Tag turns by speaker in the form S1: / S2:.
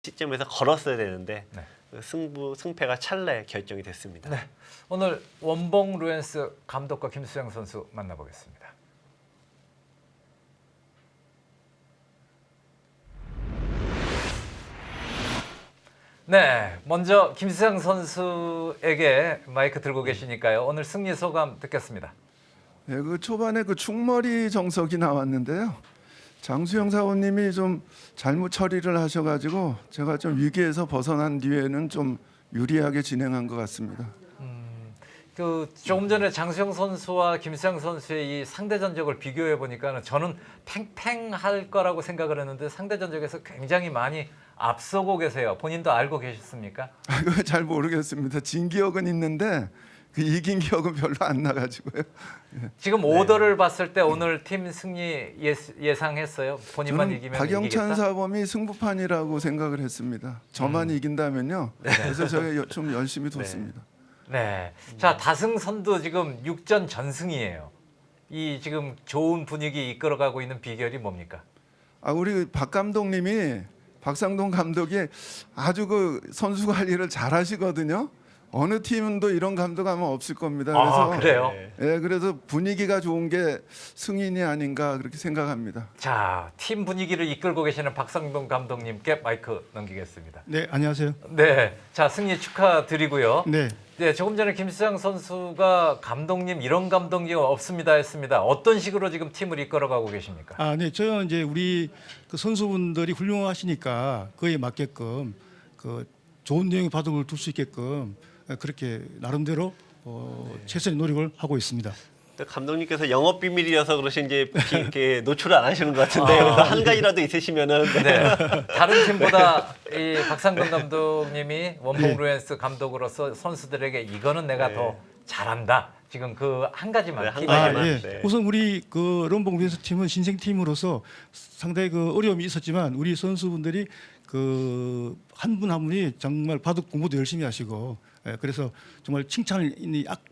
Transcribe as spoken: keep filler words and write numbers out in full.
S1: 시점에서 걸었어야 되는데
S2: 네.
S1: 그 승부 승패가 찰나에 결정이 됐습니다.
S2: 네. 오늘 원봉 루엔스 감독과 김수영 선수 만나보겠습니다. 네, 먼저 김수영 선수에게 마이크 들고 계시니까요. 오늘 승리 소감 듣겠습니다.
S3: 네, 그 초반에 그 충머리 정석이 나왔는데요. 장수영 사원님이 좀 잘못 처리를 하셔가지고 제가 좀 위기에서 벗어난 뒤에는 좀 유리하게 진행한 것 같습니다.
S2: 그 조금 전에 장수영 선수와 김수영 선수의 이 상대 전적을 비교해 보니까 저는 팽팽할 거라고 생각을 했는데 상대 전적에서 굉장히 많이 앞서고 계세요. 본인도 알고 계셨습니까?
S3: 아, 그거 잘 모르겠습니다. 진 기억은 있는데 그 이긴 기억은 별로 안 나가지고요.
S2: 지금 오더를 봤을 때 오늘 팀 승리 예, 예상했어요? 본인만
S3: 저는
S2: 이기면
S3: 박영찬
S2: 이기겠다?
S3: 사범이 승부판이라고 생각을 했습니다. 저만
S2: 음.
S3: 이긴다면요. 그래서 제가 좀 열심히 뒀습니다.
S2: 네. 자, 다승선도 지금 육 전 전승이에요. 이 지금 좋은 분위기 이끌어가고 있는 비결이 뭡니까?
S3: 아, 우리 박 감독님이 박상동 감독이 아주 그 선수 관리를 잘 하시거든요. 어느 팀도 이런 감독 아마 없을 겁니다. 그래서
S2: 아, 그래요?
S1: 네.
S3: 예, 그래서 분위기가 좋은 게 승인이 아닌가 그렇게 생각합니다.
S2: 자, 팀 분위기를 이끌고 계시는 박상동 감독님께 마이크 넘기겠습니다.
S4: 네, 안녕하세요.
S2: 네. 자, 승리 축하드리고요.
S4: 네,
S2: 네, 조금 전에 김수영 선수가 감독님 이런 감독님 없습니다 했습니다. 어떤 식으로 지금 팀을 이끌어가고 계십니까?
S4: 아, 네, 저는 이제 우리 그 선수분들이 훌륭하시니까 그에 맞게끔 그 좋은 내용의 바둑을 둘 수 있게끔 그렇게 나름대로 어, 최선의 노력을 하고 있습니다.
S1: 또 감독님께서 영업 비밀이어서 그러신지 비- 이렇게 노출을 안 하시는 것 같은데
S2: 아,
S1: 그래서 한 가지라도 있으시면은 네.
S2: 네. 다른 팀보다 이 박상동 감독님이 원봉
S4: 네.
S2: 루엔스 감독으로서 선수들에게 이거는 내가
S1: 네.
S2: 더 잘한다. 지금 그 한 가지만
S1: 네, 한
S2: 팁.
S4: 아,
S1: 가지만.
S4: 예.
S1: 네.
S4: 우선 우리 그 럼봉 벤스 팀은 신생 팀으로서 상당히 그 어려움이 있었지만 우리 선수분들이 그 한 분 한 분이 정말 바둑 공부도 열심히 하시고 예, 그래서 정말 칭찬을 이 악-